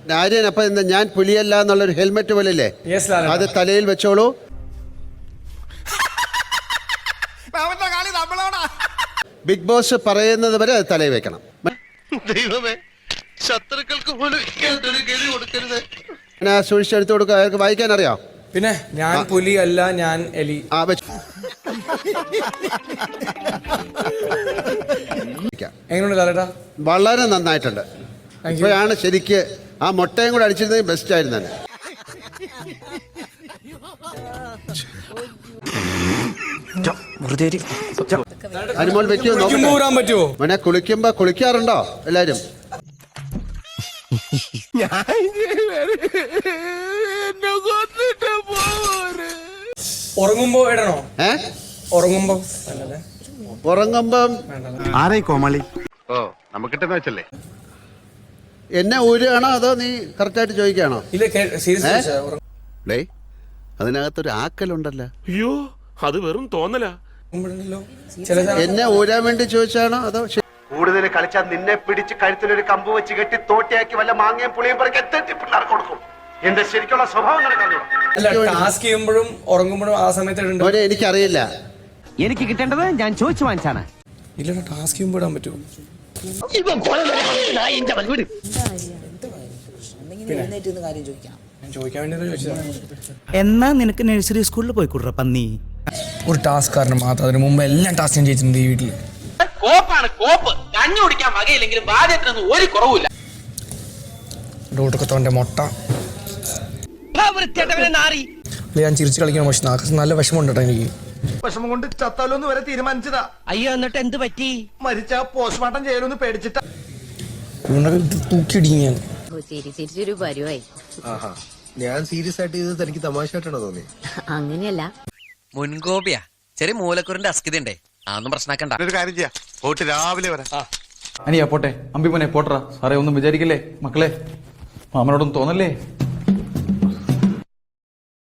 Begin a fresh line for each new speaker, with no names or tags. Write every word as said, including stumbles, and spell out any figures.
ആര്യൻ, അപ്പൊ എന്താ ഞാൻ പുലിയല്ല എന്നുള്ളൊരു ഹെൽമെറ്റ് പോലല്ലേ, അത് തലയിൽ വെച്ചോളൂ. ബിഗ് ബോസ് പറയുന്നത് വരെ അത് തലയിൽ വെക്കണം.
ദൈവമേ, ശത്രുക്കൾക്ക് പോലും ഗതി കൊടുക്കരുത്.
ഞാൻ സൂക്ഷിച്ചെടുത്ത് കൊടുക്കുക. അയാൾക്ക് വായിക്കാൻ അറിയാം.
പിന്നെ ഞാൻ പുലി അല്ല, ഞാൻ എലി.
ആ വെച്ചു.
എങ്ങനെയുണ്ട് ലാലേട്ടാ?
വളരെ നന്നായിട്ടുണ്ട്. ഇപ്പോഴാണ് ശരിക്ക് ആ മുട്ടയും കൂടെ അടിച്ചിരുന്നെങ്കിൽ ബെസ്റ്റ് ആയിരുന്നു തന്നെ. അനുമോൾ വെക്കോ
പറ്റുമോ?
മോനെ കുളിക്കുമ്പോ കുളിക്കാറുണ്ടോ എല്ലാരും?
ഉറങ്ങുമ്പോ ഇടണോ?
ഏ
ഉറങ്ങുമ്പോ
ഉറങ്ങുമ്പം
ആരായി കോമാളി?
ഓ, നമുക്കിട്ടെന്ന് വെച്ചല്ലേ.
എന്നെ ഊരുകയാണോ അതോ നീ കറക്റ്റായിട്ട് ചോദിക്കുകയാണോ? അതിനകത്തൊരു ആക്കലുണ്ടല്ലോ.
അയ്യോ, അത് വെറും തോന്നലാ.
എന്നെ ഊരാൻ വേണ്ടി ചോദിച്ചാണോ അതോ?
കൂടുതൽ കളിച്ചാൽ നിന്നെ പിടിച്ച് കഴുത്തിലൊരു കമ്പ് വെച്ച് കെട്ടി തോട്ടിയാക്കി വല്ല മാങ്ങയും പുളിയും പറക്കി എത്തി പിള്ളേർക്ക് കൊടുക്കും. എന്റെ ശരിക്കുള്ള സ്വഭാവം
ടാസ്ക് ചെയ്യുമ്പോഴും ഉറങ്ങുമ്പോഴും ആ സമയത്ത്
എനിക്കറിയില്ല.
എനിക്ക് കിട്ടേണ്ടത് ഞാൻ ചോദിച്ചു വാങ്ങിച്ചാണ്.
ഇല്ല, ടാസ്ക് ചെയ്യുമ്പോൾ ഇടാൻ പറ്റുമോ?
എന്നാ നിനക്ക് നഴ്സറി സ്കൂളിൽ പോയിക്കൂടാ പന്നി.
ഒരു ടാസ്ക് കാരണം മാത്രം, അതിന് മുമ്പ് എല്ലാം ടാസ്ക് ഞാൻ ചെയ്തിട്ടുണ്ട് ഈ വീട്ടില്.
കോപ്പാണ് കോപ്പ്. കഞ്ഞി കുടിക്കാൻ വകയില്ലെങ്കിലും ബാധ്യത്തിനൊന്നും ഒരു കുറവില്ല.
ഡോട്ടൊക്കെ മുട്ട ഞാൻ ചിരിച്ചു കളിക്കണം. പക്ഷെ നാക്ക് നല്ല വിഷമമുണ്ട് കേട്ടോ എനിക്ക്.
വിഷമം കൊണ്ട് ചത്താലോന്ന് വരെ തീരുമാനിച്ചതാ.
അയ്യോ, എന്നിട്ട് എന്ത് പറ്റി?
മരിച്ച പോസ്റ്റ്മോർട്ടം ചെയ്യലൊന്ന് പേടിച്ചിട്ടാ.
തൂക്കിയിടിക്കും ഞാൻ.
ഞാൻ സീരിയസ് ആയിട്ട് ചെയ്തത് എനിക്ക് തമാശയായിട്ടാണോ തോന്നി?
അങ്ങനെയല്ല,
മുൻകോപിയാ. ചെറിയ മൂലക്കുറിന്റെ അസ്കിതണ്ടേ, അതൊന്നും പ്രശ്നമാക്കണ്ട.
ഒരു കാര്യം ചെയ്യാം, പോയിട്ട് രാവിലെ വരാം.
അനിയാ പോട്ടെ, അമ്പിമോനെ പോട്ടറാ. സാറേ ഒന്നും വിചാരിക്കല്ലേ മക്കളെ, മാമനോടൊന്നും തോന്നല്ലേ.